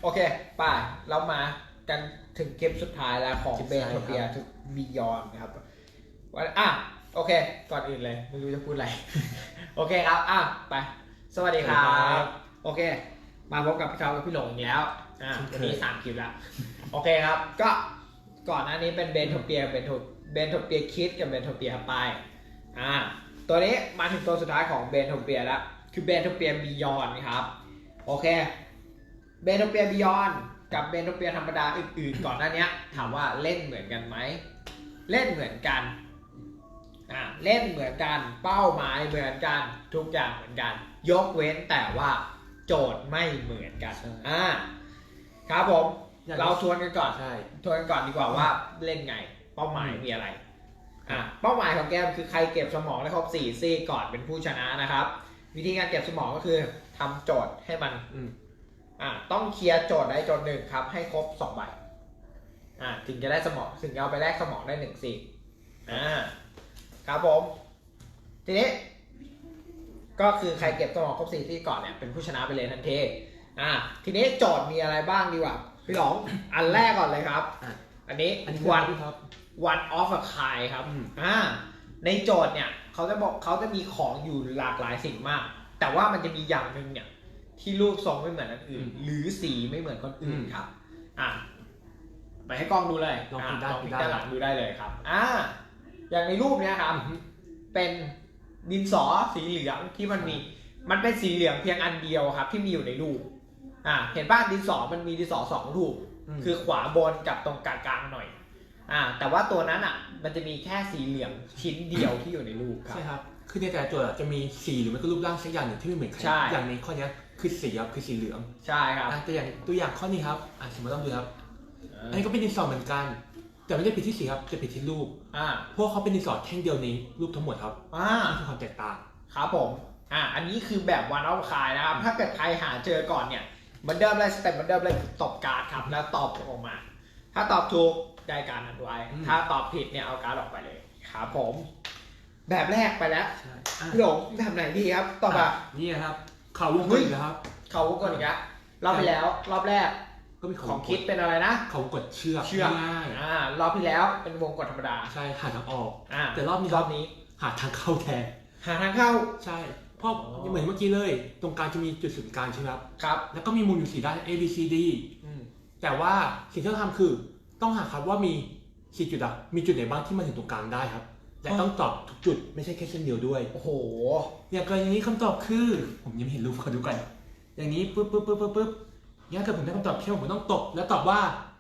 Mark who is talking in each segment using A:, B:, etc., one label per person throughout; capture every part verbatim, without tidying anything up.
A: โอเคไปเรามากันถึงเกมสุดท้ายแล้วของเบนโทเปียทุกบิยอนนะครับวันอ่ะโอเคก่อนอื่นเลยไม่รู้จะพูดอะไร โอเคครับอ่ะไปสวัสดีครับโอเคมาพบกับพี่เขากับพี่หลงอีกแล้วอ่ะวันนี้สามคลิปแล้วโอเคครับก็ก่อนหน้านี้เป็นเบนโทเปียเบนโทเบนโทเปียคิดกับเบนโทเปียไปอ่าตัวนี้มาถึงตัวสุดท้ายของเบนโทเปียแล้วคือเบนโทเปียบิยอนครับโอเคเบนโทเปียบิยอนกับเบนโทเปียธรรมดาอื่นๆก่อนหน้านี้ถามว่าเล่นเหมือนกันไหมเล่นเหมือนกันอ่าเล่นเหมือนกันเป้าหมายเหมือนกันทุกอย่างเหมือนกันยกเว้นแต่ว่าโจทย์ไม่เหมือนกันอ่าครับผมเราทวนกันก่อนใช่ทวนกันก่อนดีกว่าว่าเล่นไงเป้าหมายมีอะไรอ่าเป้าหมายของแกคือใครเก็บสมองได้ครบสี่ซีกก่อนเป็นผู้ชนะนะครับวิธีการเก็บสมองก็คือทำโจทย์ให้มันอ่าต้องเคลียร์โจทย์ได้โจทย์หนึ่งครับให้ครบสองใบอ่าถึงจะได้สมองถึงจะเอาไปแลกสมองได้หนึ่งซีกอ่าครับผมทีนี้ก็คือใครเก็บสมองครบสี่ซีกก่อนเนี่ยเป็นผู้ชนะไปเลยทันทีอ่าทีนี้โจทย์มีอะไรบ้างดีกว่าพี่หลงอันแรกก่อนเลยครับอันนี้วันone of a kind ครับอ่าในโจทย์เนี่ยเขาจะบอกเขาจะมีของอยู่หลากหลายสิ่งมากแต่ว่ามันจะมีอย่างหนึ่งเนี่ยที่รูปทรงไม่เหมือนคนอื่นหรือสีไม่เหมือนคนอื่นครับอ่าไปให้กล้องดูเลยลองพิมพ์ด้านหลังดูได้เลยครับอ่าอย่างในรูปเนี้ยครับเป็นดินสอสีเหลืองที่มันมีมันเป็นสีเหลืองเพียงอันเดียวครับที่มีอยู่ในรูปอ่าเห็นป่ะดินสอมันมีดินสอสองรูปคือขวาบนกับตรงกลางๆหน่อยอ่าแต่ว่าตัวนั้นอ่ะมันจะมีแค่สีเหลืองชิ้นเดียวที่อยู่ในรูปครับ
B: ใช่ครับคือในแต่ละตัวจะมีสีหรือไม่ก็รูปร่างสักอย่างหนึ่งที่ไม่เหมือนใครอย่างในข้อนี้คือสีครับคือสีเหลือง
A: ใช่ครับ
B: แต่อย่างตัวอย่างข้อนี้ครับอ่าสมมติต้องดูครับอันนี้ก็เป็นดินสอเหมือนกันแต่ไม่ได้ผิดที่สีครับจะผิดที่รูป
A: อ่า
B: เพราะเขาเป็นดินสอแท่งเดียวในรูปทั้งหมดครับ
A: อ่า
B: นี่คือความแตกต่าง
A: ครับผมอ่าอันนี้คือแบบวันเอาคายนะครับถ้าเกิดใครหาเจอก่อนเนี่ยเหมือนเดิมเลยสเต็ปเหมือนเดิมเลยตอบการ์ดครับแล้วตอบออกมาถ้าตอบถูกได้การ์ดนั้นไว้ถ้าตอบผิดเนี่ยเอาการ์ดออกไปเลยครับผมแบบแรกไปแล้วพี่หลงแบบไหนดีครับตอบแบบ
B: นี่ครับเขาวงกลมครับ
A: เขาวงกลมอีกแล้วรอบที่แล้วรอบแรก
B: ก็มี
A: ของคิดเป็นอะไรนะ
B: เขากดเชือก
A: เชือกอ่ารอบที่แล้วเป็นวงกดธรรมดา
B: ใช่หาทางออก
A: อ่า
B: แต่รอบนี้
A: รอบนี้
B: หาทางเข้าแทน
A: หาทางเข้า
B: ใช่เพราะเหมือนเมื่อกี้เลยตรงกลางจะมีจุดศูนย์กลางใช่ไหมครับ
A: ครับ
B: แล้วก็มีมุมอยู่สี่ด้าน A B C D แต่ว่าสิ่งที่ต้องทำคือต้องหาครับว่ามีสี่จุดอะมีจุดไหนบ้างที่มาถึงตรงกลางได้ครับและต้องตอบทุกจุดไม่ใช่แค่เส้นเดียวด้วย
A: โอ้โห
B: อย่างกรณีนี้คำตอบคือผมยังไม่เห็นรูปขอดูก่อนอย่างนี้ปึ๊บปึ๊บปึ๊บปึ๊บปึ๊บงั้นเกิดผมได้คำตอบเที่ยวผมต้องตบแล้วตอบว่า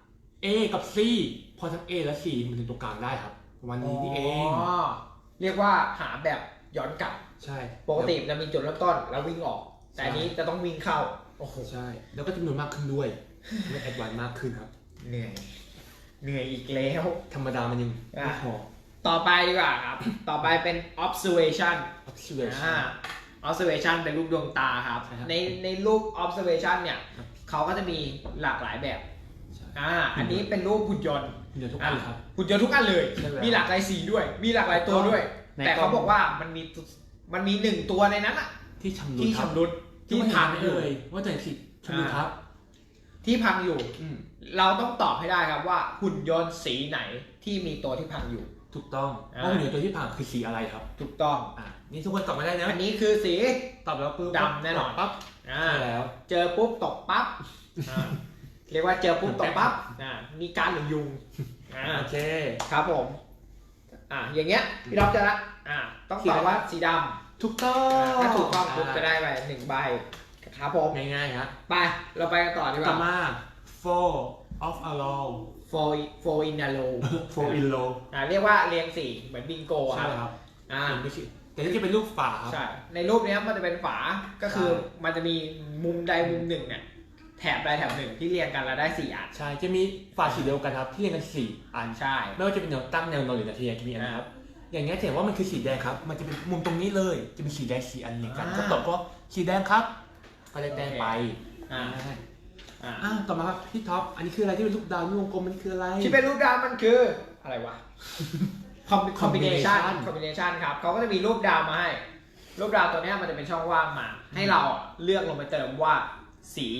B: A กับ C พอทั้ง A และ C มันถึงตรงกลางได้ครับวันนี้นี่เอง
A: เรียกว่าหาแบบย้อนกลับ
B: ใช่
A: ปกติจะมีจุดเริ่มต้นแล้ววิ่งออกแต่อันนี้จะต้องวิ่งเข้า
B: โอ้โหใช่แล้วก็จำนวนมากขึ้นด้วยไม่แอดวานซ์มากขึ้นครับ
A: เหนื่อยเหนื่อยอีกแล้ว
B: ธรรมดามันยังไม่พอ
A: ต่อไปดีกว่าครับต่อไปเป็น observation
B: observation
A: observation เป็นรูปดวงตาครับในในรูป observation เนี่ยเขาก็จะมีหลากหลายแบบอ่าอันนี้เป็นรูปหุ่นยนต์
B: หุ่นยนต์ทุกอันครับ
A: หุ่นยนต์ทุกอันเลยมีหลากหลายสีด้วยมีหลากหลายตัวด้วยแต่เขาบอกว่ามันมีมันมีหนึ่งตัวในนั้นอะ
B: ที่ชำรุด
A: ที่ชำรุดที่พังอยู่
B: ว่าแต่สิชำรุดครับ
A: ที่พังอยู่เราต้องตอบให้ได้ครับว่าหุ่นยนต์สีไหนที่มีตัวที่พังอยู่
B: ถูกต้องว่าหุ่นยนต์ตัวที่พังคือสีอะไรครับ
A: ถูกต้อง
B: อ่านี่ทุกคนตอบไม่ได้นะ
A: อันนี้คือสี
B: ตอบแล้วปุ๊บ
A: ดำแน่นอน
B: ปั๊บ
A: อ่าแล้วเจอปุ๊บตกปั๊บเรียกว่าเจอปุ๊บตกปั๊บอ่ามีการหรือยุง
B: โอเค
A: ครับผมอ่าอย่างเงี้ยพี่ดอกจะละอ่าต้องตอบว่าสีดำ
B: ถูกต้อง
A: ถ้าถูกต้องปุ๊บจะได้ไปหนึ่งใบครับผม
B: ง่ายๆครับ
A: ไปเราไปกันต่อดีกว่า
B: ต่อมา four of a row
A: four four in a row
B: four in row
A: อ่าเรียกว่าเรียงสี่เหมือนบิงโก
B: ครับ
A: อ่า
B: ไม่ใช่แต่นี่จะเป็นรูปฝาครับ
A: ใช่ในรูปนี้มันจะเป็นฝาก็คือมันจะมีมุมใดมุมหนึ่งเนี่ยแถบใดแถบหนึ่งที่เรียงกันแล้วได้สี่อัน
B: ใช่จะมีฝาสีเดียวกันครับที่เรียงกันสี่อัน
A: ใช่
B: ไม่ว่าจะเป็นแนวตั้งแนวนอนหรือแนวทะแยงจะมีนะครับอย่างเงี้ยเห็นว่ามันคือสีแดงครับมันจะเป็นมุมตรงนี้เลยจะเป็นสีแดงสีอันเรียงกันก็ตอบก็สีแดงครับก็ได้แดงไป
A: อ่า
B: อ่าต่อมาครับพี่ท็อปอันนี้คืออะไรที่เป็นรูปดาววงกลมมันคืออะไร
A: ที่เป็นรูปดาวมันคืออะไรวะ combination combination ครับเขาก็จะมีรูปดาวมาให้รูปดาวตัวนี้มันจะเป็นช่องว่างมาให้เราเลือกลงไปเติมว่าสี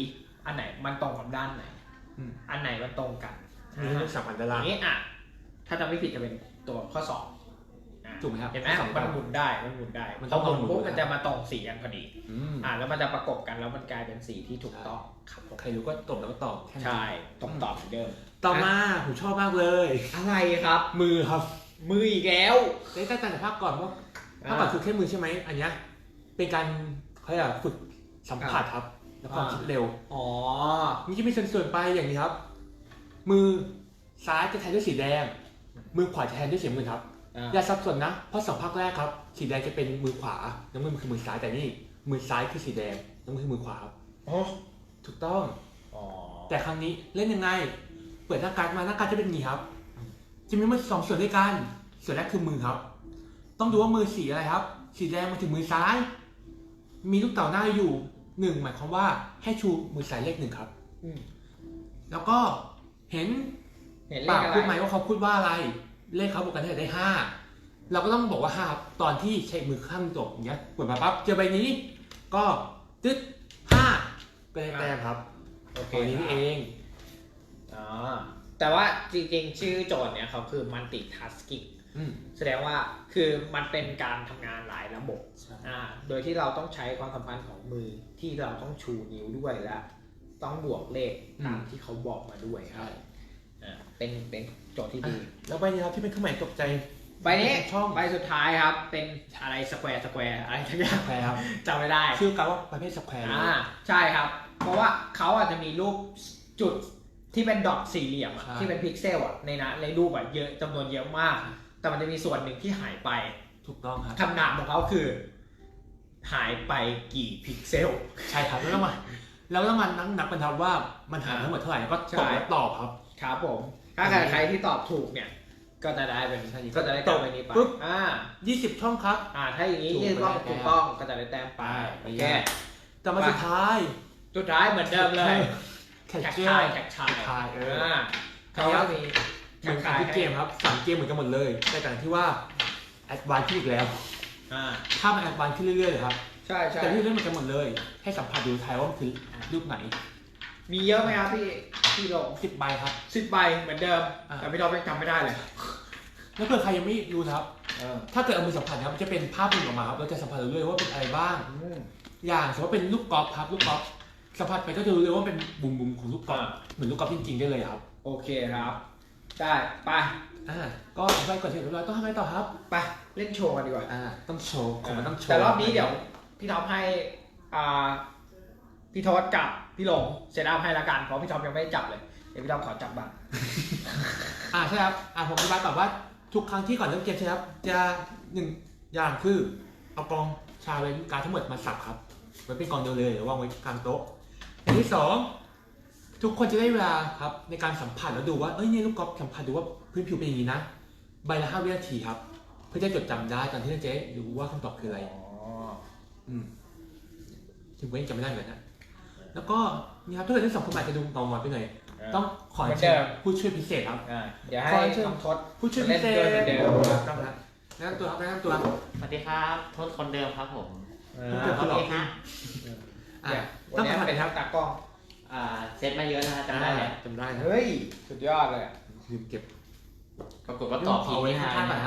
A: อันไหนมันตรงกับด้านไหน
B: อืม
A: อันไหนมันตรงกัน
B: มีให้เลือกสามอันด้าน
A: อ
B: ล่าง
A: ย่างนี้อ่ะถ้าจำไม่ผิดจะเป็นตัวข้อสองอ่ะ
B: ถูกไหมครับ
A: เห็นไหม
B: ข้อสอง
A: มันหมุนได้มันหมุนได้
B: มัน
A: พ
B: ต้
A: อ
B: อง
A: หมุน
B: หมุน
A: ปุ๊บ
B: ด้วย
A: มันจะมาตรงสีกันพอดี
B: อืม
A: อ่ะแล้วมันจะประกบกันแล้วมันกลายเป็นสีที่ถูกต้องครับผม
B: ใครรู้ก็ตบแล้วก็ตอบแค่นั้น
A: ใช่ตรงตอบเหมือนเดิม
B: ต่อมาผมชอบมากเลย
A: อะไรครับ
B: มือครับ
A: มืออีกแล้ว
B: ได้ตั้งแต่ภาพก่อนว่าภาพก่อนคือแค่มือใช่ไหมอันเนี้ยเป็นการเขาเรียกว่าฝึกสัมผัสครับและความคิดเร็ว
A: อ๋อ
B: นี่จะมีส่วนๆไปอย่างนี้ครับ มือซ้ายจะแทนด้วยสีแดง มือขวาจะแทนด้วยสีน้ำเงินครับ
A: อ่ะ
B: อย่าสับสนนะ เพราะสองภาคแรกครับ สีแดงจะเป็นมือขวา น้ำเงินคือมือซ้าย แต่นี่มือซ้ายคือสีแดง น้ำเงินคือมือขวาครับ
A: อ๋อ
B: ถูกต้อง
A: อ๋อ
B: แต่ครั้งนี้เล่นยังไง เปิดหน้าการ์ดมาหน้าการ์ดจะเป็นอย่างนี้ครับ จะมีมันสองส่วนด้วยกัน ส่วนแรกคือมือครับ ต้องดูว่ามือสีอะไรครับ สีแดงมาถึงมือซ้าย มีลูกเต่าหน้าอยู่หนึ่งหมายความว่าให้ชูมือซ้ายเลขหนึ่งครับ
A: อืม
B: แล้วก็เห็น
A: เห็นเล
B: ปา
A: ข
B: ก
A: อะไร
B: พูดไหมว่าเขาพูดว่าอะไร เลขเขาบวกกันได้ห้าเราก็ต้องบอกว่าห้าครับตอนที่ใช้มือข้างตกอย่างเงี้ยเปิดมาปั๊บเจอใบนี้ ก็ตึ๊ดห้าก็ได้แต้มครับ
A: โอเค
B: ตัวนี้นี่เอง
A: อ๋อแต่ว่าจริงๆ ชื่อโจทย์เนี่ยเขาคือ multitasking
B: อืม
A: แสดงว่าคือมันเป็นการทำงานหลายระบบ
B: ใช่
A: อ่าโดยที่เราต้องใช้ความสัมพันธ์ของมือที่เราต้องชูนิ้วด้วยและต้องบวกเลขตามที่เขาบอกมาด้วยครับอ่าเป็นเป็นโจทย์ที่ดี
B: แล้วใบนี้ครับที่เป็นเครื่องหมายตกใจ
A: ใบนี้
B: ช่อง
A: ใบสุดท้ายครับเป็นอะไรสแควร์สแควร์อะไรทั้งอย่าง
B: สแควร์ครับ
A: จำไม่ได้
B: ชื่อการว่าประเภทสแควร์
A: อ่าใช่ครับ เพราะว่าเขาอาจจะมีรูปจุดที่เป็นดอทสี่เหลี่ยมอะที่เป็นพิกเซลอะในนะในรูปอะเยอะจำนวนเยอะมาก แต่มันจะมีส่วนหนึ่งที่หายไป
B: ถูกต้องครับ
A: คำถามของเขาคือ หายไปกี่พิกเซล
B: ใช่ครับแล้วต้องมาแล้วต้องมานั่งนับกันครับว่ามันหารทั้งหมดเท่าไหร่แล้วก็ตอบแล้วตอบครับ
A: ครับผม ถ้าใครใครที่ตอบถูกเนี่ย ก็จะได้เป็น
B: ใช่
A: ก็จะได้
B: ต
A: แต้
B: อ
A: ม
B: บ
A: ไปนี้ไป
B: ปุ๊บ
A: อ่า
B: ยี่สิบช่องครับ
A: อ่าถ้าอย่างนี้
B: ถูก
A: ยี่สิบต้อง
B: ไปได้
A: ถูกต้องก็จะได้แต้มไป
B: ไป
A: โอเค
B: แต่มาสุดท้าย
A: สุดท้ายเหมือนเดิมเลย
B: แคช
A: แท็ก
B: เชอ
A: ชาย
B: ร์
A: แท็กชาย
B: แท็กชายเออ
A: อ่า
B: ครั
A: เขา
B: บ
A: ก็มี
B: เหมือนกันทุกเกมครับสามเกมเหมือนกันหมดเลยแต่ต่างที่ว่าแอดวานซ์ขึ้นอีกแล้ว
A: อ่า
B: ถ้ามันแอดวานซ์ขึ้นเรื่อยๆเลยครับ
A: ใช่ใช่
B: แต่ที่เล่นเหมือนกันหมดเลย ให้สัมผัสดูทายว่ามันคือรูปไหน
A: มีเยอะไหมครับพี่พี่ลง
B: สิบใบครับ
A: สิบใบเหมือนเดิม
B: อ่า
A: แต่พี่เรายังจำไม่ได้เลย
B: แล้วเผื่อใครยังไม่รู้นะครับ
A: เออ
B: ถ้าเกิดเอามือสัมผัสนะครับจะเป็นภาพหนึ่งออกมาครับเราจะสัมผัสเรื่อยๆว่าเป็นอะไรบ้าง
A: อืม
B: อย่างสมมติว่าเป็นลูกกอล์ฟครับลูกกอล์ฟสัมผัสไปก็จะรู้เลยว่าเป็นบุมบุมๆของลูกกอล์ฟ
A: อ่า
B: เหมือนลูกกอล์ฟจริงๆได้เลยครับ
A: โอเคครับ ได้ไป
B: อ่าก็ไปก่อนเสร็จเรียบร้อยต้องทำไงต่อครับ
A: ไปเล่นโชว์กันดีกว่า
B: อ่าต้องโชว์ของมันต้องโชว์
A: แต่รอบนี้เดี๋ยวพี่ท็อปให้อ่าพี่ทศกับพี่หลงเซตอัพให้ละกันเพราะพี่ท็อปยังไม่ได้จับเลยเดี๋ยวพี่ท็อปขอจับบ้าง
B: อ่าใช่ครับอ่าผมอธิบายก่อนว่าทุกครั้งที่ก่อนเริ่มเกมใช่ครับจะหนึ่งอย่างคือเอากองชาเลนจ์การดทั้งหมดมาสับครับไว้เป็นกองเดียวเลยหรือวางไว้กลางโต๊ะอย่างที่สองทุกคนจะได้เวลาครับในการสัมผัสแล้วดูว่าเอ้ยเนี่ยลูกกอล์ฟสัมผัสดูว่าพื้นผิวเป็นอย่างนี้นะใบละห้าวินาทีครับเพื่อจะจดจำได้ตอนที่เจ๊รู้ว่าคำตอบคืออะไร
A: อ๋อ
B: อืมถึงเว้นจำไม่ได้เหมือนกันนะแล้วก็นี่ครับถ้าเกิดทั้งสองคนอาจจะดูเงาหวานไปหน่อยต้องขอ
A: เหมือน
B: เชิ
A: เดิ
B: ญ
A: ม
B: ผู้ช่วยพิเศษครับ
A: อ่าเดี๋ยวให้
B: ขอเชิญ
A: น้องทศ
B: ผู้ช่วยพิเศษ
A: เล่นด้วยเหมือนเดิม
B: ต้องนะแนะนำตัวครับแนะนำตัว
C: สวัสดีครับโทษคนเดิมครับผม
A: เอ
B: เดี๋
A: อ
B: ยว
C: โอเคฮะ
B: อ่ะ
A: เนี่ยวั
B: ต้อน ง
A: นี้
B: สัมผัส
A: เป็น
B: ครับ
A: ตากล้อง
C: อ่าเซตมาเยอะนะฮะจำได้แล้ว
B: จำได้นะ
A: เฮ้ยสุดยอดเลยอะ
B: ลืมเก็บ
C: ปรากฏว่าตอบผิด
B: เอาไว้
C: นี่ฮะ
B: ข้างๆก่อนนะ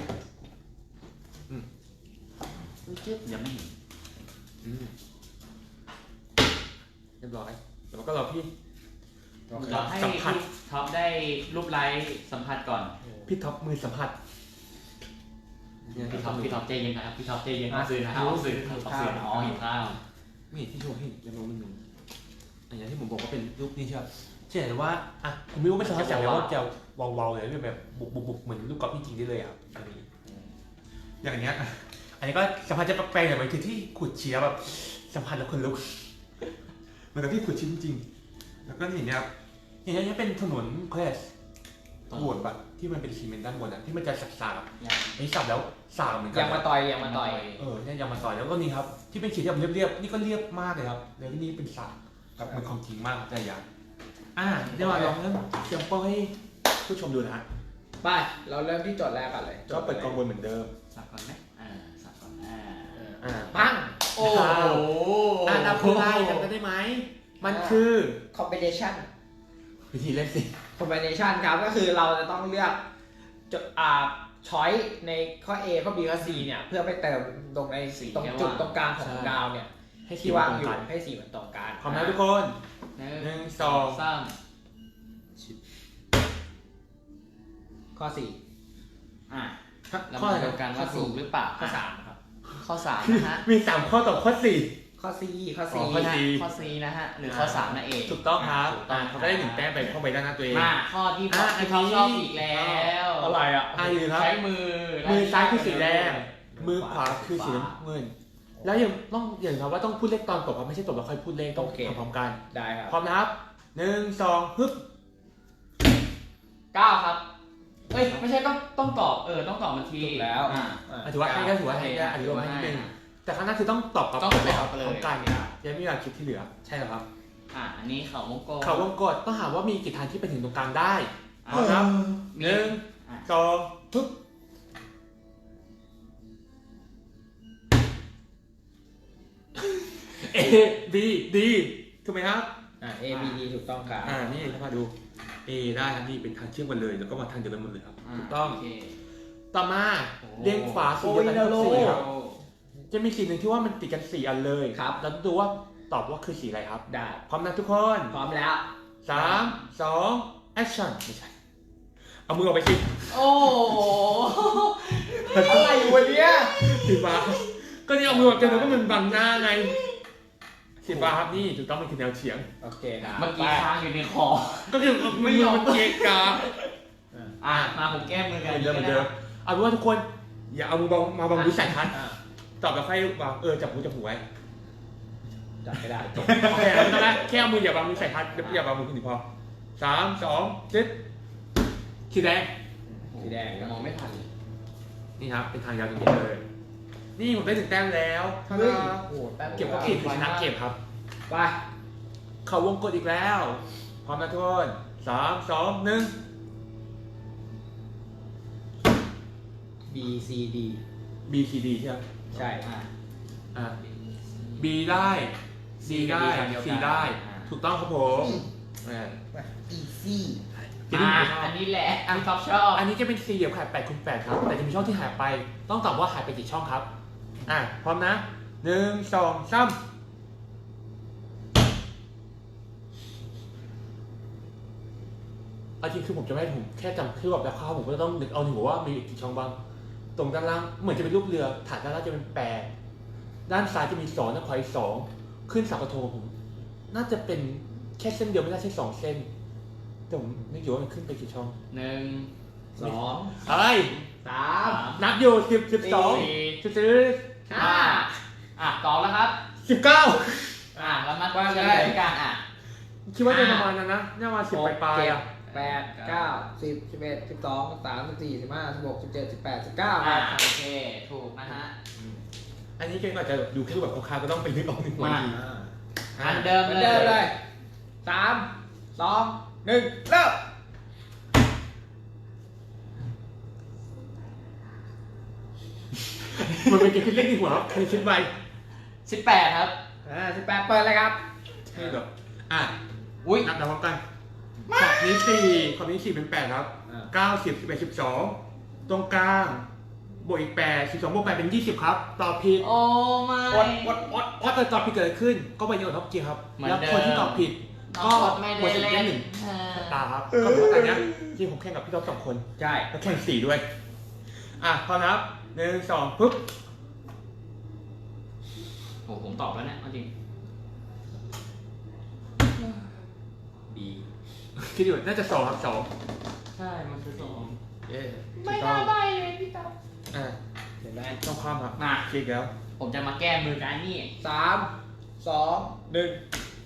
C: จึ๊บยังไม่เห็น
B: อืมเรียบร้อยแล้วก็รอพี่
A: โอเค
C: เราให้
B: สัมผัส
C: พี่ท็อปได้รูปไลท์สัมผัสก่อน
B: พี่ท็อปมือสัมผัสเนี่ย
C: พี่
B: พี่
C: ท็
B: ท็
C: อ
B: อ
C: ป
B: ป
C: พี่ท็อปใจเย็นนะครับพี่ท็อปใจเย็นเอาสื่อนะครับเอาสื่อเอาสื่ออ๋อเห็นข้าว
B: นี่ที่โชว์ให้เรียบร้อยนิดนึงอันนี้ที่ผมบอกว่าเป็นรูปนี้ใช่ไหมเช่นแต่ว่าอ่ะผมไม่รู้ไม่สามารถจับเลยว่าจะวาวๆเลยแบบบุบบุบบุบเหมือนลูกกอล์ฟจริงๆได้เลยครับอันนี้ อย่างเงี้ย อันนี้ก็สัมผัสจะแปลกๆหน่อยมันคือที่ขุดเชียแบบสัมผัสแล้วคนลุกเหมือนกับที่ขุดชิ้นจริง แล้วก็อย่างเงี้ยครับอย่างเงี้ยเป็นถนนแคสบวดแบบที่มันเป็นซีเมนต์ด้านบนอ่ะที่มันจะสักๆอันนี้สับแล้วสากเหมือนกั
A: ยังมาต่อยยังมาต่อย
B: เออเนี่ยยังมาต่อยแล้วก็นี่ครับที่เป็นขีดที่แบบเรียบๆนี่ก็เรียบมากเลยครับแล้วนี่เป็นสากครับมันของจริงมากแต่อย่างอ่าเดี๋ยวมาลองเริ่มเตรียมโป้ให้ผู้ชมดูนะฮะ
A: ไปเราเริ่มที่โจทย์แรกกันเลย
B: ก็เปิดกองบนเหมือนเดิม
C: สับก่อนไหมอ่าสับก่อนอ่า
B: อ่า
A: ปังโอ้โห
B: อ่านับผู้ได้จำได้ไหมมันคือ
A: combination
B: วิธีเล่นสิ
A: combination ครับก็คือเราจะต้องเลือกจุดอ่าช้อยในข้อ A ข้อ B ข้อ C เนี่ยเพื่อไปเติมตรงในตรงจุดตรงกลางของดาวเนี่ย
B: ให้สี
A: ที่
B: วา
A: ว่าง ง
B: อ
A: อยู่
B: ยู่
A: ให้สีมันตรงกัน
B: พร้อมนะทุกคน
C: หนึ่ง
B: หนึ่งสอง
C: สาม
A: ข้อ สี่
C: อ่ะเรา
B: ข้อ
C: มา
B: อะไร
C: ดูกันว่าถูกหรือเปล่า
A: ข้อ สามครับ
C: ข้อสามนะฮะ
B: มีสามข้อต่อข้อสี่
A: ข้อ C ข้อ C
B: อ๋อข้อ C
C: ข้อ C นะฮะหรือข้อสามนั่นเอง
B: ถูกต้องครับ
C: ถูกต้อง
B: อ่ะเขาก็ได้หนึ่งแต้มไปเข้าไปด้านหน้าตัวเอง
C: มาข้อที่
B: อ่ะ
C: ที่เขา
B: อันนี้
C: ชอบอีกแล้ว
A: อะไรอ่ะ
B: อ่ะอยู่ครับ
C: ใช้มือ
B: มือซ้ายคือสีแดง
A: มื
B: มือ
A: อ
B: ข
A: ข
B: วาว
A: า
B: คือสีน้ำเงิน แล้วยังต้องอย่างครับว่าต้องพูดเลขตอนตบครับไม่ใช่ตบแล้วค่อยพูดเลขต้อง
A: โอเค
B: ทำพร้อมกัน
A: ได้ครับ
B: พร้อมนะครับหนึ่งสองฮึบ
C: เก้าครับเอ้ยไม่ใช่ต้องต้องตอบเออต้องตอบมันที
A: ถูกแล้ว
C: อ่ะ
A: อ่ะ
B: อ่ะถือว่าให้ได้ถือว่าให้ได้อธิบายให้นิดนึงแต่ครั้งหน้าคือต้องตอบกับ
C: ต้องตอบ
B: เลยครับ
C: เลย
B: พร้อมกันยังไม่มีเวลาคิดที่เหลือใช่เหรอครับ
C: อ่ะอันนี้เขาวงกลม
B: เขาวงกดต้องหาว่ามีกี่ทางที่ไปถึงตรงกลางได้พร้อมครับ
C: มี
B: หนึ่ง
C: อ่ะ
B: สองฮึบ A B D ถูกไหมครับ
A: อ่ะ A B D ถูกต้องครับ
B: อ่านี่ถ้ามาดู A ได้ครับนี่เป็นทางเชื่อมกันเลยแล้วก็มาทางเดียวกันหมดเลยครับ
C: อ่ะ
B: ถูกต้อง
C: โเค
B: ต่อมา
C: โอ้
B: เรียงขวาสีเดียวกันทั้ง
A: โอ้
B: สี่
A: ย
B: ครับจะมีสีหนึ่งที่ว่ามันติดกันสี่อันเลย
A: ครับ
B: เราต้องดูว่าตอบว่าคือสีอะไรครับ
A: ได้
B: พร้อมนะทุกคน
A: พร้อมแล้ว
B: สามสองแอคชั่นไม่ใช่เอามือออกไปสิ
C: โอ้โห
A: อะไรวะเนี่ย
B: สีฟ้าก็นี่เอามือออกจากนั้นก็มันบังหน้าไงสีฟ้าครับนี่ถูกต้องมันคือแนวเฉียง
A: โอเคครับ
C: เมื่อกี้ค้างอยู่ในคอ
B: ก็คือมือมันเกะกะ
C: อ่ะมาผมแก้มือกัน
B: เหมือนเดิมเหมือนเดิมเอาเป็นว่าทุกคนอย่าเอามือบังมาบังวิสัยทัศน์
A: อ่ะ
B: ตอบแล้วค่อยวางเออจับหูจับหูไว้
A: จับไม่ได้จบ
B: โอเคไม่ต้องแล้วแค่เอามืออย่าบังวิสัยทัศน์อย่าบังมือคุณพอสามสองเจ็ดสีแดง
A: สีแดงครับ
C: มองไม่ทันเลย
B: นี่ครับเป็นทางยาวตรงนี้เลย นี่ผมได้ถึงแต้มแล้ว
A: เฮ้ยโอ้โหแป๊บ
B: เก็บก็ผิดชนะเก็บครับ
A: ไป
B: เขาวงกดอีกแล้ว พร้อมนะทุกคนสามสองหนึ่ง
A: B C D
B: B C D ใช่ไหม
A: ใช่
C: อ่ะ
B: อ่า B ได้ C ได้ C ได้ ถูกต้องครับผมอ่า
A: Easy
B: ทีนี้
C: มา
B: ผมชอบ
C: อันนี้แหละที่ท็อปชอบ
B: อันนี้จะเป็นสี่เหลี่ยมขนาดแปดคูณแปดครับ แต่จะมีช่องที่หายไป ต้องตอบว่าหายไปกี่ช่องครับ อ่ะ พร้อมนะหนึ่งสองสามเอาจริงคือผมจะไม่ผมแค่จำคือแบบแล้วข้าวผมก็ต้องนึกเอาหนึ่งว่ามีกี่ช่องบ้าง ตรงด้านล่างเหมือนจะเป็นรูปเรือ ฐานด้านล่างจะเป็นแปดด้านซ้ายจะมีสองด้านขวาอีกสองขึ้นเสากระโทงผม น่าจะเป็นแค่เส้นเดียวไม่น่าใช่สองเส้น แต่ผมไม่รู้ว่ามันขึ้นไปกี่ช่อง
C: หนึ่ง
A: สอง
B: เอ้ย
A: สาม
B: นับอยู่สิบสิบสอง
C: สี่
B: สิบสี่
C: ห้าอ่ะตอบแล้วครับ
B: สิบเก้า
C: อ่ะแล้วมาเฉลยกันอ่ะ
B: คิดว่าจะประมาณนั้นนะน่ามาสิบปลายๆอ่ะ
A: แปดเก้าสิบสิบเอ็ดสิบสองสิบสามสิบสี่สิบห้าสิบหกสิบเจ็ดสิบแปดสิบเก้าค
C: อ่ะ
A: รับ
C: โอเคถูกนะฮะ
B: อันนี้เก่งอาจจะดูแค่แบบคร่าวๆก็ต้องไปนึกเอาหนึ่งวัน
C: มา
B: ที
C: อันเดิม
A: เหมือน
C: เล
A: เดิมเลย
C: ย
A: สามสองหนึ่งเริ่ม
B: มันเป็นเกมที่เล่นในหัวใครคิดไป
C: สิบแปดครับ
A: อ่าสิบแปดเปิดเลยครับ
B: ใช่เหรออ่ะ
C: อุ้ย
B: นับนับพร้อมกันขอบนี้สี่ขอบนี้สี่เป็นแปดครับ
A: อ่า
B: เก้าสิบสิบเอ็ดสิบสองตรงกลางบวกอีกแปดสิบสองบวกแปดเป็นยี่สิบครับตอบผิด
C: โอ้ไม่
A: อดอดอด
B: ถ้าเกิดตอบผิดเกิดอะไรขึ้น ก็ไปโยนท็อปเกียร์ครับ
C: เหมือน
B: แล้ว
C: เดิม
B: คนที่ตอบผิด
C: น้องกดไม่
B: หม
C: ได้
B: ดสิทธิ์
C: เล่
B: ได้
C: น
B: หนึ่ง
C: เออ
B: ตาครับก็เหมือนกันเนี้ยที่ผมแข่งกับพี่ท็อปสองคน
A: ใช่
B: แล้วแข่งสี่ด้วย อ่ะพร้อมนะครับหนึ่งสองปุ๊บ
C: โอ้ผมตอบแล้วเนี่ยเอาจริง
A: B
B: คิดอยู่น่าจะสองครับสอง
C: ใช่ มันคือสอง
B: เย้
C: ไม่น่าใบเลยพี่ต๊อบ
B: อ่ะ
A: เห็นไหม
B: ต้องความครับ
C: มา
B: คิดแล้ว
C: ผมจะมาแก้มือกันนี่
A: สามสองหนึ่ง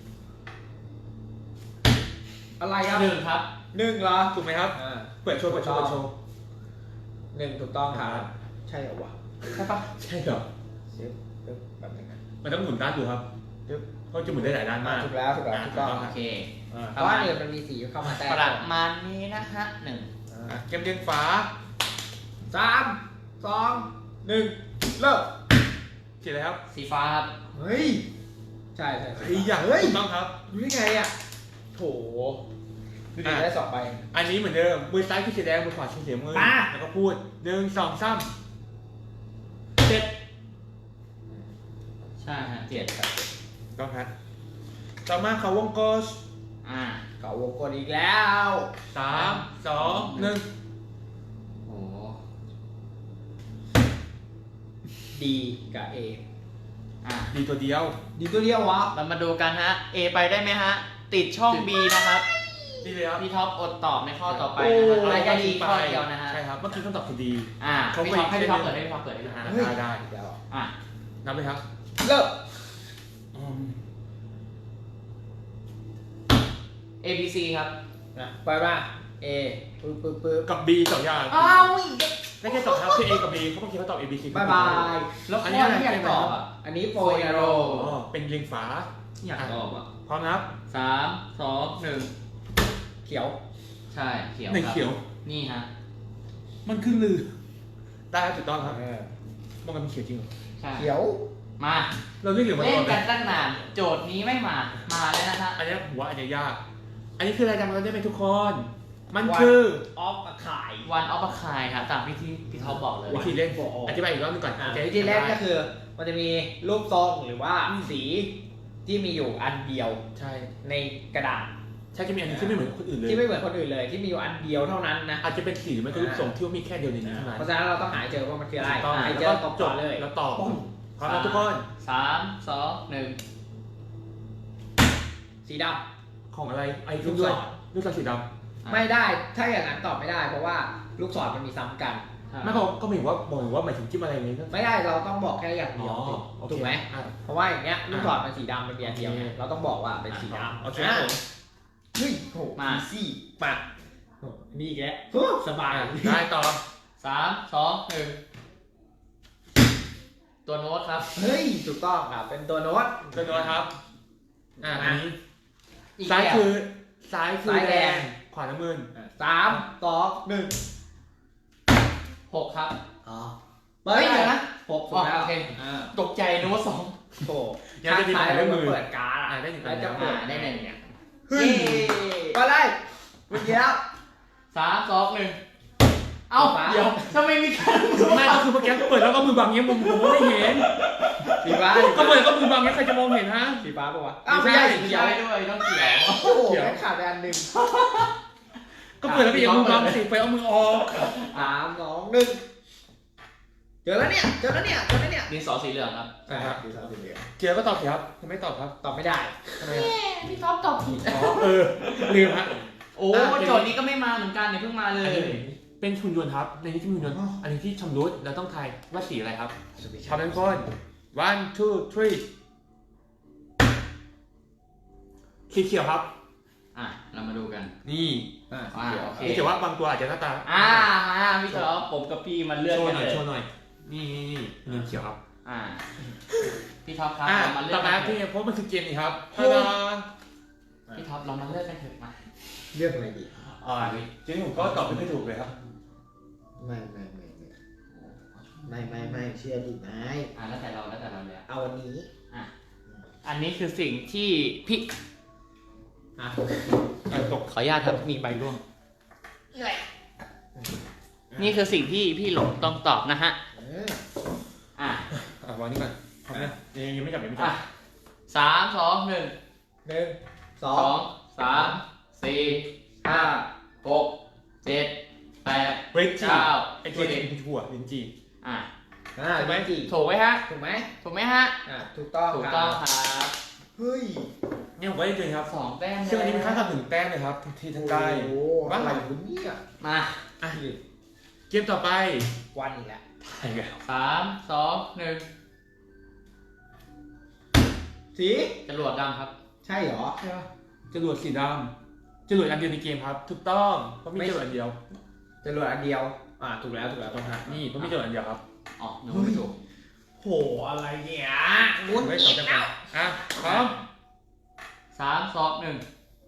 A: อะไรครับ
C: หนึ่งครับ
A: หนึ่งเหรอ
B: ถูกไหมครับ
A: อ่า
B: เปิดโชว์เปิดโชว์เปิดโชว์
A: หนึ่งถูกต้องครับใช่เหรอวะ
B: ใช่ปะใช่เหรอ
A: เดี๋ยวเดี๋ยวแบบนึงนะ
B: มันต้องหมุนด้านดูครับเพราะจะหมุนได้หลายด้านมาก
A: ถูกแล้วถูกแล้วถูกต้อง
C: โอเค
A: อ่าเพราะว่าเนี่ยมันมีสีเข้ามาแทรก
C: ประมาณนี้นะฮะหนึ่ง
A: อ่า
B: อ่ะเกมเรียงฝา
A: สามสองหนึ่งเริ่ม
B: เขียนเลยครับ
C: สีฟ้าครับ
A: เฮ้ยใช่ใช่ใช่
B: ไอ้อย่าง
A: เฮ้ย
B: ถูกต้องครับ
A: รู้ได้ไงอ่ะโถดูดิได้สองใบ
B: อันนี้เหมือนเดิมมือซ้ายคือสีแดงมือขวาคือสีน้ำเงิน
A: มา
B: แล้วก็พูดหนึ่งสองสามเจ็ด
C: ใช่ฮะ
A: เจ็ดครับ
B: ต้องครับต่อมาเขาวงกลม
C: อ่า
A: เก่าวงกดอีกแล้ว
B: สามสองหนึ่ง
C: โอ้
A: ดีกับ A
C: อ่ะ
B: ดีตัวเดียว
A: ดีตัวเดียววะ
C: เรามาดูกันฮะ A ไปได้ไหมฮะ ติดช่อง B นะครับ
B: ดีเลยครับ
C: พี่ท็อปอดตอบในข้อต่อไปนะครับได้แค่ดีข้อเดียวนะฮะ
B: ใช่ครับเมื่อกี้คำตอบคือดี
C: อ่า
B: เขา
C: พี่ท็อป
B: ไป
C: ให้พี่ท็อป
B: เส้
C: เปิ
B: น
C: ดให้พี่ท็อปเปิดให้พี่ท็อป
B: อ่า
C: เปิด
B: ได้ได้
A: เดี๋ยว
C: อ่ะ
B: นับเลยครับ
A: เลิก
B: อืม
C: A B C ครับ
A: นะไปป่ะ A ปึ๊บปึ๊บปึ๊บ
B: กับ B สองอย่าง
A: อ้าวอีก
B: ได้แค่ตอบครับคือ A กับ B เขาเมื่อกี้เขาตอบ A B C
A: บายบาย
C: แล้ว
B: อัน
C: ข้
B: นี้
C: อ
B: อะไร
C: ที่อยากตอบอ่ะ
A: อันนี้โปรยนาโร
B: อ๋อเป็นเรียงฝา
C: อยากตอบอ่ะ
B: พร้อมนะครับ
C: สามสองหนึ่ง
A: เขียว
C: ใช่เขียว
B: หนึ่ง
C: ครับ
B: เขียว
C: นี่ฮะ
B: มันคือลือได้ครับถูกต้องครับ
A: เออ
B: มันกันเป็นเขียวจริงเหรอ
C: ใช่
A: เขียว
C: มา
B: เราเรียกเหลืองมา
C: เล่
B: ก่
C: น
B: อนไหม
C: กันตั้งนาน โจทย์นี้ไม่มา มาแล้วนะฮะ
B: อันนี้ผมว่าอันนี้ยาก อันนี้คืออะไรจำกันได้ไหมทุกคน มัน
A: วัน
B: คือ
A: ออฟมาขาย
C: วันออฟคายครับตามที่ที่พี่ท็อปบอกเลย
B: วิธีเล่น
A: โอ้โห
B: อธิบายอีกรอบหนึงก่อน
A: อ่ะ
B: โอเค
A: วิธีแรกก็คือ มันจะมีรูปทรงหรือว่า
B: อืม
A: สีที่มีอยู่อันเดียว
B: ใช่
A: ในกระดาษ
B: ใช่จะมีอันนี้ที่ไม่เหมือนคนอื่นเลย
A: ที่ไม่เหมือนคนอื่นเลย ที่มีอยู่อันเดียวเท่านั้นนะ
B: อาจจะเป็นสีหรือไม่ก็รูปทรงที่ว่ามีแค่เดียวในนี้เท่านั้น
A: เพราะฉะนั้นเราต้องหาให้เจอว่ามันคืออะไร
B: ถูกต้อง
A: หาให้เจ
B: แล้
A: อ
B: ว
A: ต
B: ก็
A: อบ
B: จ
A: ต่อบ เลย
B: แล้วตอบ
A: ปุ้ง
B: พร้อมนะทุกคน
C: สามสองหนึ่ง
A: สีด
B: ของอะไรไอ้
A: ลู
B: ลู
A: ก
B: ก
A: ศ
B: ด้
A: ร
B: วยลูกศรสีด
A: ำไม่ได้ ถ้าอย่างนั้นตอบไม่ได้ เพราะว่าลูกศรมันมีซ้ำกัน
B: ำไม่เขาก็หมายถึงว่าบอกว่าหมายถึงจิ้มอะไรนี้ก็
A: ไม่ได้เราต้องบอกแค่อย่างเดียว
B: อ๋อโอเค
A: ถูกไหม
B: อ่ะ
A: เพราะว่าอย่างเงี้ยลูกศรมันสีดำมันมีอันเดียวไง
B: โอเค
A: เราต้องบอกว่าเป็นสีดำ
B: โอเคครับผม
A: เฮ้ยโห
C: มา
A: อีซี่มาโอ้นี่อีกแล้วโอ้สบาย
B: อ่ะได้ต่อ
C: สามสองหนึ่งตัวโน้ตครับ
A: เฮ้ยถูกต้องครับเป็นตัวโน้ต
B: ตัวโน้ตครับ อ่ะอันนี้
C: อีก
B: ซ้าย
C: แบบ
B: คือซ้ายคือ
A: ซ้าย
B: แด
A: แด
B: ง
A: ง
B: ขวาน้ำเงิน
A: สามสองหนึ่ง
C: หกครับ
A: อ๋อเฮ้ยเดี๋ยวนะหกถูกแล้ว
C: โอเค
A: อ่า
C: ตกใจนึกว่าสอง
A: โอ้
B: ยังจะมีหมายเลขมือ
A: เปิดการ์ด
B: อ่ะได้หนึ่ง
A: แล้วจะ
B: คะแนน
A: เปิด
C: อ่าได้หนึ่งเนี่ย
A: เฮ้ยมาเลยเมื่อกี้แล้ว
C: สามสองหนึ่งเอ้า
A: ฟ้า
C: เดี๋ยวทำไมมีการ
B: ไม่ก็คือเมื่อกี้เปิดแล้วก็มือบังเงี้ยมุมผมก็ไม่เห็น
A: สีฟ้า
B: ก็เปิดก็มือบังเงี้ยใครจะมองเห็นฮะ
A: สีฟ้าปะวะ
B: ไม่ใช่
C: เขียวด้วยต้องเขียว
A: โอ้โหแม่งขาดไปอันหนึ่ง
B: ก็เปิดแล้วก็ยังมือบังสิไปเอามือออก
A: สามสองหนึ่งเจอแล้วเนี่ยเจอแล้วเนี่ยเจอแล้วเนี่ย
C: ดินสอสีเหลืองครับ
A: ใช่ครับสีฟ้าสีเหลือง
B: เกียร์ก็ตอบสิครับทำไมตอบครับ
A: ตอบไม่ได้
B: ทำไมอ่ะ
C: พี่ท็อปตอบผิด
B: อ๋อเออลืมฮะ
C: โอ้โจทย์นี้ก็ไม่มาเหมือนกันเนี่ยเพิ่งมาเล
B: อัน
C: ย
B: นี้เป็นหุ่นยนต์ครับ ในนี้ที่มีหุ่นยนต์ อันนี้ที่ชำรุดแล้วต้องทายว่าสีอะไรครับพร้อมทุกคน one two three สีเขียวครับ
C: อ่ะเรามาดูกัน
B: นี่
A: อ่า
C: อ่าโอเค
B: นี่แต่ว่าบางตัวอาจจะหน้าตา
C: อ่ามาพี่ท็อปผมกับพี่มันเลื่อน
B: โชว์
C: กัน
B: หน่
C: เล
B: อย
C: ย
B: โชว์หน่อย นี่นี่นี่หุ่นยนต์เขียวครับ
C: อ่าพี่ท็อปครับ
B: อ่ะ
C: เรามาเลื่
B: ต่
C: อ
B: อน ไป
C: กัน
B: พี่
C: เถอะ
B: เพราะมันคือเกมนี้ครับตาดา
C: พี่ท็อปเรามาเลื่อนกันเถอะมา
A: เลือกอะไรดี
B: อ่าจริงๆผมก็ตอบไม่ค่อยถูกเลยครับ
A: ไม่ไม่ไม่ไม่ไม่ไม่ไม่เชื่อดิไม่
C: อ่าแล้วแต่เราแล้วแต่เราเลย
A: เอาอันนี้
C: อ่ะอันนี้คือสิ่งที่พี่
A: อ่ะ
B: เออตก
C: ขออนุญาตครับมีใบร่วงนี่คือสิ่งที่พี่หลงต้องตอบนะฮะ
A: เออ
C: อ่ะ
B: อ่ะวางนี่ก่อนพร้อมนะยังยังไม่จับยังไม่จั
C: อ่ะ
B: บ
C: สามสองหนึ่ง
A: หนึ่งสอ
C: สอง งสามสี่ห้าหกเจ็ดแปด
B: เบรกจี
C: เก้า
B: ไอตัวนี้คือถั่วลินจี
C: อ่ะ
A: อ่า
B: ถูกไหม
A: จี
C: ถูกไหมฮะ
A: ถูกไหม
C: ถูกไหมฮะ
A: อ่าถูกต้อง
C: ถูกต้อง
A: ครับ
C: ครับ
A: เฮ้ย
B: เนี่ยผมก็ได้เจอครับ
C: สองแต้ม
B: ซึ่งอันนี้เป็นค่าทำถึงแต้มเลยครับทั้งทีทั้งได้
A: โอ้โห
B: บ้า
A: อะไร
B: น
A: วะเนี่ย
C: มา
B: อ่ะเกมต่อไป
A: วันอีกแล้ว
B: ไอ้เงี้ย
C: สามสองหนึ่ง
A: สี
C: จรวดดำครับ
A: ใช่เหรอ
B: ใช่ปะจรวดสีดำจรวดอันเดียวในเกมครับ ถูกต้องเพราะมี
A: ไม่
B: จรวดอันเดียว
A: จรวดอันเดียว อ่าถูกแล้วถูกแล้ว
B: ต้องฮะนี่เพราะมีจรวดอันเดียวครับ
C: อ๋อหนูไม่ถูก
A: โหอะไรเนี่ย
B: ถูกไว้สองจังหวะอ่ะพร้อม
C: สามสองหนึ่ง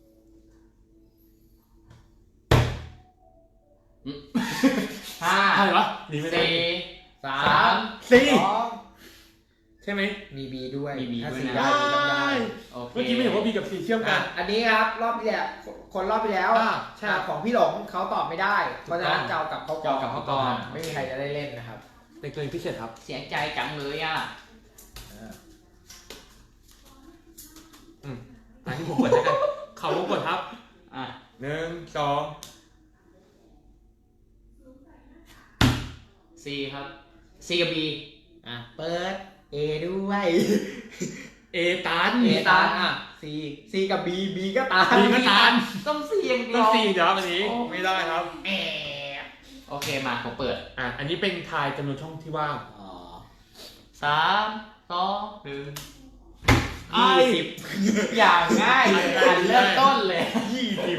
C: อืมห้า
B: ใช่ปะหนีไม่ได้
C: สี่
A: สา
C: สาม ม
B: สี่
A: สองเท
B: ช่ไหม
A: มี B ด้วย
C: มี B
A: ถ้า
C: ด้วย
A: สี
C: นะ
A: ได้ B ต้องได้
C: โอเค
B: เมื่อกี้ไม่เห็นว่า B กับ C เชื่อมกั
A: อ่ะ
B: น
A: อันนี้ครับรอบที่แล้วคนรอบที่แล้ว
B: อ่าใช่
A: อ่ะของพี่หลงเขาตอบไม่ได้เพราะฉะนั้น
B: ถูกต้อง
A: จะเอากลับเข้าก
C: จะเอากลับเข้ากล่อง
A: ไม่มีใครจะได้เล่นนะครับ
B: เป็นเกมพิเศษครับ
C: เสียใจจังเลยอ่ะ
A: อ่า
B: อืมอันนี้ผมกดแล้วกันเขาวงกดครับ
C: อ่ะ
B: หนึ่งสอง
C: C ครับ C กับ B
A: อ่ะเปิด A ด้วย
B: เอตัน
A: A ตันอ่ะ C C กับ B B ก็ตัน
B: B ก็ตัน
C: ต้อง C อย่างเดี
B: ต้
C: ย
B: อง
C: ว
B: สี่เดี๋ยวครับอันนี้
C: โอ้
B: ไม่ได้ครับ
A: แอบ
C: โอเคมาผมเปิด
B: อ่ะอันนี้เป็นทายจำนวนช่องที่ว่าง
C: อ๋อสามสองหนึ่ง
B: ไอ้
C: ยี่สิบอย่างง่ายอันเริ่มต้นเลย
B: ยี่สิบ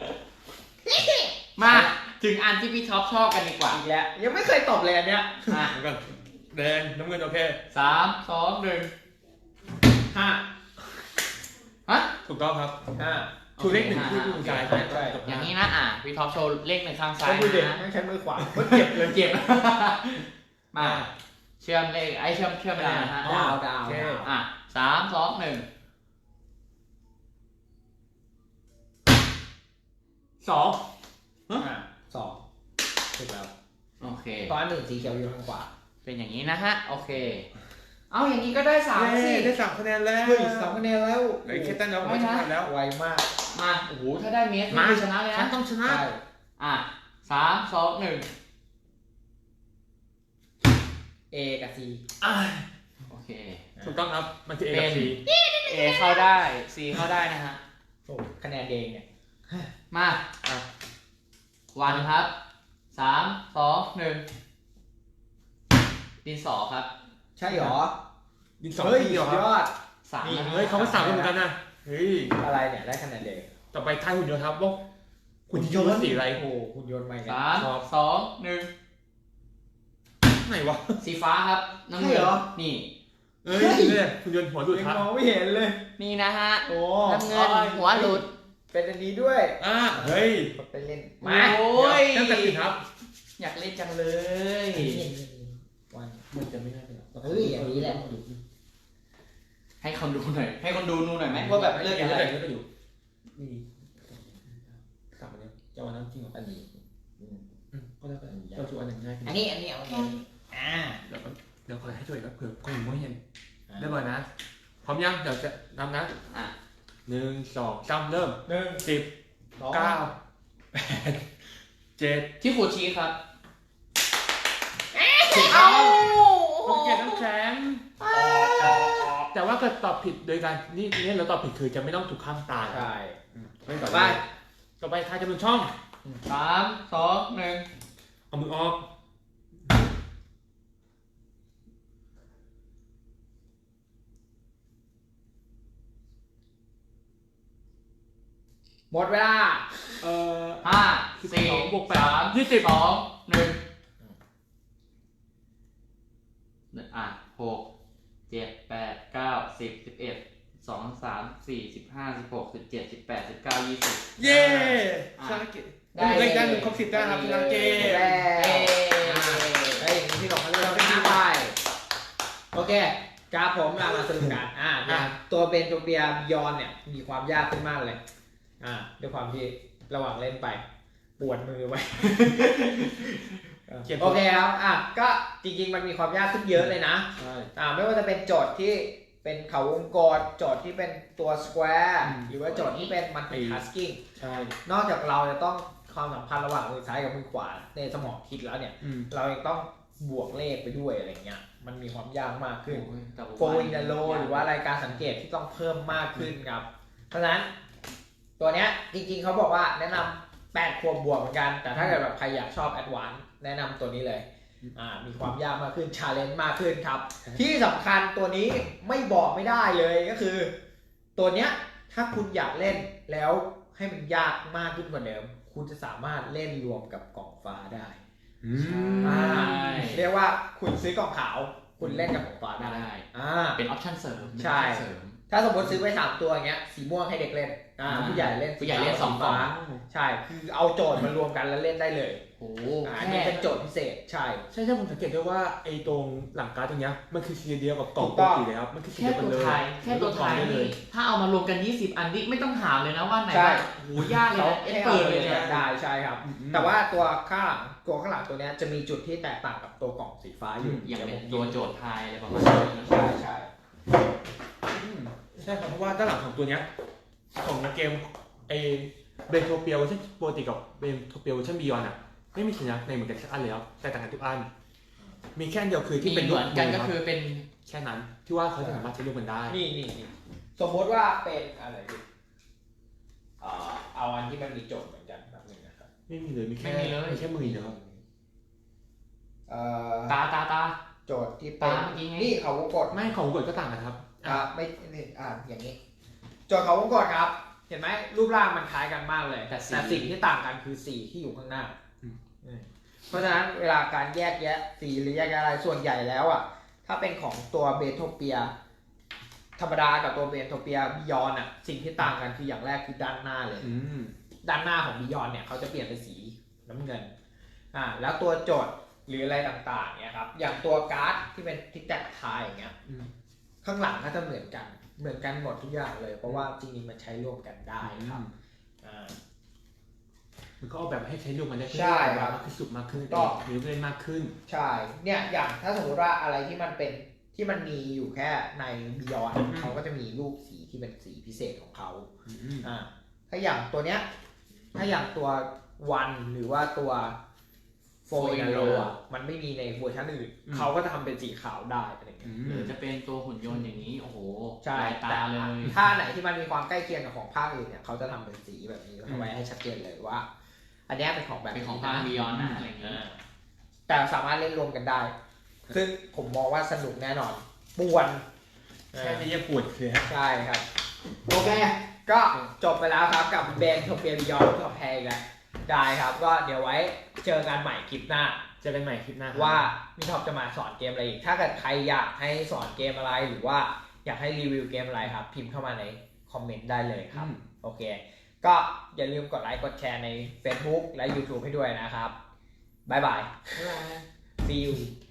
C: มาถึงอันที่พี่ท็อปชอบกันดีกว่า
A: อีกแล้วยังไม่เคยตอบเลยอันเนี้ย
C: อ่ะ
B: เหมือนกันแดงน้ำเงินโอเค
C: สามสองหนึ่ง
A: ห้า
C: ฮะ
B: ถูกต้องครับ
A: ห้า
B: ชูเลขหนึ่งที่คุณชาย
A: ใช่ใช่
C: อย่างนี้นะอ่ะพี่ท็อปโชว์เลขหนึ่งข้างซ้า
A: ใช้
C: ย
A: มือเด็ก
C: นะ
A: ไม่ใช้มือขวาก็เจ็บเลย
C: เจ็บ มาเชื่อมเลขไอ้เชื่อมเชื่อมไปเลยนะฮะ
A: ดาวดาว
B: โอเค
A: ดาว
C: อ่ะสามสองหนึ่ง
B: สอง
A: อ่ะสองถูกแล้ว
C: โอเค
A: ตอนหนึ่งสีเขียวอยู่ข้างขวา
C: เป็นอย่างนี้นะฮะโอเค เอาอย่างนี้ก็ได้สามสิ
B: เย้ได้สามคะแนนแล้ว
A: เฮ้ยสองคะแนนแล้ว
B: เหลือแค่ตั้งแล้วไม่ชนะแล้ว
A: ไวมาก
C: มาโอ้โหถ้าได้เมส
B: มา
C: นี่คือชนะเลย
B: ฉัน
C: นะ
B: ต้องชนะ
A: ใช่
C: อ่ะสามสองหนึ่ง
A: A กับ C
B: อ่ะ
C: โอเค
B: ถูกต้องครับ มันคือ A กับ C
C: เอเข้าได้ C เข้าได้นะฮะ
A: โอ้คะแนนเองเนี่ย
C: มา
B: อ่ะ
C: วันครับสามสองหนึ่งดินสอครับ
A: ใช่หรอ
B: ดินสอง
A: เฮ้ย
B: ที่เดียวค
A: ย
B: รับ
A: อด
C: สาม
A: นี่
C: นะ
B: เฮ้ยเขาไม่สามคนเหมือนกันนะเฮ้ย
A: อะไรเนี่ยได้คะแนนเอง
B: ต่อไปทายหุ่นยนต์ครับว่าหุ่นยนต์สีอะไร
A: โอ้โหหุ่นยนต์ใหม่กัน
C: สามสองหนึ่ง
B: ไหนวะ
C: สีฟ้าครับน้ำเงิ
A: ใช่
C: น
A: เหรอ
C: นี่
B: เอ้ยเนี่ยหุ่นยนต์หัวหลุด
A: ยัง
B: ครับ
A: มองไม่เห็นเลย
C: นี่นะฮะ
A: โอ้
C: น้ำเงินหัวหลุด
A: เป็นอันนี้ด้วย
B: อ่ะเฮ้ย
A: กดไปเล่น
C: โอ้ย
B: เริ่มจากสิครับ
C: อยากเล่นจังเลย
A: วัน
B: มันจะไม่ได้เลย
A: เฮ้ยอย่างนี้แหละ
C: ให้คนดูหน่อย ให้คนดูดูหน่อยไหมว่าแบบเลือกอะไร
B: เลือกอยู่นี่กลับมาเนี่ยจะวันนั้นจริงเหรอ
A: อันนี้
B: ก็ได้ก็ได้เราชูอันหนึ่งง่ายขึ้น
A: อันนี้อันนี้เอาอันนี้อ่า
B: เดี๋ยวเดี๋ยวคอยให้ช่วยครับเผื่อคนอื่นไม่เห็นได้บ่อยนะ พร้อมยังเดี๋ยวจะนำนะ
C: อ่ะ
B: หนึ่งสองสามเริ่ม
A: หนึ่ง
B: สิบ
A: สอง
B: เก้าแปดเจ็ด
C: ที่ขูดชีสครับ
B: สิบครับผมเกลียดน้ำแข็งแต่ว่าเกิดตอบผิดโดยการนี่นี่เราตอบผิดคือจะไม่ต้องถูกข้ามตาย
A: ใช่
B: ไม่ต่อ
A: ไป
B: ไปต่อไปทายจำนวนช่อง
C: สามสองหนึ่ง
B: เอามือออก
A: หมดเวลา
B: เอ่อ
C: ห้า
B: สิบ
C: สี่
B: สองบวกแปด
C: สาม
B: ยี่สิบ
C: สองหนึ่งอ่ะหกเจ็ดแปดเก้าสิบสิบเอ็ดสองสามสี่สิบห้าสิบหกสิบเจ็ดสิบแปดสิบเก้ายี่สิบ
B: เย้
C: อ่ะ
B: ชนะเกมได้เลขได้หนึ่งครบสิบได้ครับชนะเกม
A: แล้
C: เอ้
A: ไอ้ยอย่างนี้พี่หลงมาเลือกที่ไปโอเคกราฟผมเรามาสรุปกันอ่าเนี่ยตัวเบนโทเปียยอนเนี่ยมีความยากขึ้นมากเลยอ่าด้วยความที่ระหว่างเล่นไปปวดมือไว้ โอเคครับอ่ะก็จริงๆมันมีความยากขึ้นเยอะเลยนะ
B: ใช่
A: อ่าไม่ว่าจะเป็นโจทย์ที่เป็นเขาวงกลโจทย์ที่เป็นตัว square
B: อืม
A: หรือว่าโจทย์ที่เป็น multitasking
B: ใช่
A: นอกจากเราจะต้องความสัมพันธ์ระหว่างมือซ้ายกับมือขวาในสมองคิดแล้วเนี่ย
B: อืม
A: เรายังต้องบวกเลขไปด้วยอะไรเงี้ยมันมีความยากมากขึ้น
C: โอ้ยแต่ว่า
A: โฟอินโลหรือว่ารายการสังเกตที่ต้องเพิ่มมากขึ้นครับ เพราะฉะนั้นตัวเนี้ยจริงๆเขาบอกว่าแนะนำแปดขวบบวกเหมือนกัน แต่ถ้าเกิดแบบใครอยากชอบแอดวานซ์แนะนำตัวนี้เลยอ่ามีความยากมากขึ้นชาเลนจ์มากขึ้นครับ ที่สำคัญตัวนี้ไม่บอกไม่ได้เลยก็คือ ตัวเนี้ยถ้าคุณอยากเล่นแล้วให้มันยากมากขึ้นกว่าเดิม คุณจะสามารถเล่นรวมกับกล่องฟ้าได้
B: อืม
A: อ่าเรียกว่าคุณซื้อกล่องขาว คุณเล่นกับกล่องฟ้าได้
C: ได้
A: อ่า
C: เป็นออปชั่นเสริม
A: ใช่
C: เป็น option เสริม
A: ถ้าสมมติซื้อไปสามตัวอย่างเงี้ยสีม่วงให้เด็กเล่นอ่าผู้ใหญ่เล่น
C: ผู้ใหญ่เล่นสองกล่อง
A: ใช่คือเอาโจทย์มารวมกันแล้วเล่นได้เลย
C: โอ้
A: อ่าอันนี้เป็นโจทย์พิเศษใช่
B: ใช่ใช่ผมสังเกตด้วยว่าไอ้ตรงหลังการ์ดตรงเนี้ยมันคือสีเดียวกับกล่อง
A: ถูก
B: ป
A: ต้
B: ก
A: อง
B: ติเลยครับมันคือสี
C: แค่
B: เดียวกัน
C: ตัว
B: เลย
C: ไทยแค่ตัวไทย
B: ได้เล
C: นี่
B: ย
C: ถ้าเอามารวมกันยี่สิบอันนี่ไม่ต้องถามเลยนะว่าไหน
A: ใช่
C: บ้างโอ้โหยากเลย
A: เขา
C: นะเอ็ก
A: ให้
C: เปิ
A: เอา
C: ด
A: เล
C: เลย ย
A: เนี่ย
C: นะ
A: ได้ใช่ครับ
B: อืม
A: แต่ว่าตัวข้างหลังตัวข้างหลังตัวเนี้ยจะมีจุดที่แตกต่างกับตัวกล่องสีฟ้าอยู่
C: อย่างเป็น
A: ดี๋
C: ตัว
A: ผม
C: โจทย์ไทยอะไรประมาณนี้
A: ใช่ใช่
B: อืมใช่ครับเพราะว่าด้านหลังของตัวเนี้ยของเกมไอเบนโทเปียเวอร์ชันปกติกับเบนโทเปียเวอร์ชันบียอนอ่ะไม่มีสัญลักษณ์ในเหมือนกันสักอันเลยครับแต่ต่างกันทุกอันมีแค่อันเดียวคือที่
C: ที่
B: เป็
C: เป็น น
B: รู
C: เห
B: ป
C: มือนกันก็
B: รับ
C: คือเป็น
B: แค่นั้นที่ว่าเขาจะสามารถใช้รูปมันได้
A: นี่นี่นี่สมมติว่าเป็นอะไรดิเอ่อเอาอันที่มันมีโจทย์เหมือนกันแบบนึงนะครับ
B: ไม่มีเลยมีแค่
C: ไม่มีเลย
B: มีแค่มือเดียวครับ
A: เอ่อ
C: ตาตาตา
A: โจทย์ที่เป็น
C: ตามเมื่อกี้ไง
A: นี่เขาวงกด
B: ไม่ของกดก็ต่างกันครับ
A: อ่าไม่ไม่อ่าอย่างนี้ โจทย์เขาวงกดครับ เห็นไหมรูปร่างมันคล้ายกันมากเลย
C: แต่สี
A: แต่สิ่งที่ต่างกันคือสีที่อยู่ข้างหน้า
B: อืม
A: อืมเพราะฉะนั้นเวลาการแยกแยะสีหรือแยกแยะอะไรส่วนใหญ่แล้วอ่ะถ้าเป็นของตัวเบโทเปีย ธรรมดากับตัวเบโทเปียบิยอนอ่ะสิ่งที่ต่างกันคืออย่างแรกคือด้านหน้าเลย
B: อืม
A: ด้านหน้าของบิยอนเนี่ยเขาจะเปลี่ยนเป็นสีน้ำเงินอ่าแล้วตัวโจทย์หรืออะไรต่างๆเนี่ยครับอย่างตัวการ์ดที่เป็นที่แตกทายอย่างเงี้ย
B: อืม
A: ข้างหลังก็จะเหมือนกันเหมือนกันหมดทุกอย่างเลยเพราะว่าจริงๆมันใช้ร่วมกันได้ครับอ่า
B: มันก็ออกแบบให้ใช้รูปมันได้เพื่
A: ใช่
B: ให้
A: ครับ
B: มากขึ้นสุดมากขึ้น
A: ถูกต้อง
B: มีลูกเล่นมากขึ้น
A: ใช่เนี่ยอย่างถ้าสมมติว่าอะไรที่มันเป็นที่มันมีอยู่แค่ในบิยอน
B: อืม
A: เขาก็จะมีรูปสีที่เป็นสีพิเศษของเขา
B: อืม
A: อ่าถ้าอย่างตัวเนี้ยถ้าอย่างตัววันหรือว่าตัวโฟ
C: Four
A: อิ
C: in
A: น
C: a
A: โร
C: row
A: อ่ะมันไม่มีในเวอร์ชันอื่นเขาก็จะทำเป็นสีขาวได้อะไรเงี้ย
C: หรือจะเป็นตัวหุ่นยนต์อย่างนี้โอ้โห
A: ใช่
C: ลายตาเลย
A: ถ้าไหนที่มันมีความใกล้เคียงกับของภาคอื่นเนี่ยเขาจะทำเป็นสีแบบนี้เอาไว้ให้ชัดเจนเลยว่า อันเนี้ยเป็นของแบบ
C: เป็นของภาคบิยอนนะอะไรอย่างนี้
A: อ่าแต่สามารถเล่นรวมกันได้ ซึ่งผมมองว่าสนุกแน่นอนป่วน
B: แค่นี้ยังปวดเลยฮะ
A: ใช่ครับ โอเค ก็จบไปแล้วครับกับเบนโทเปียบิยอนกับแพงแล้วได้ครับ ก็เดี๋ยวไว้เจอกันใหม่คลิปหน้า
B: เจอกันใหม่คลิปหน้าครับ
A: ว่ามิท็อปจะมาสอนเกมอะไรอีก ถ้าเกิดใครอยากให้สอนเกมอะไรหรือว่าอยากให้รีวิวเกมอะไรครับ พิมพ์เข้ามาในคอมเมนต์ได้เลยครับ
B: อืม
A: โอเค ก็อย่าลืมกดไลค์กดแชร์ใน Facebook และ YouTube ให้ด้วยนะครับ บ๊ายบาย See you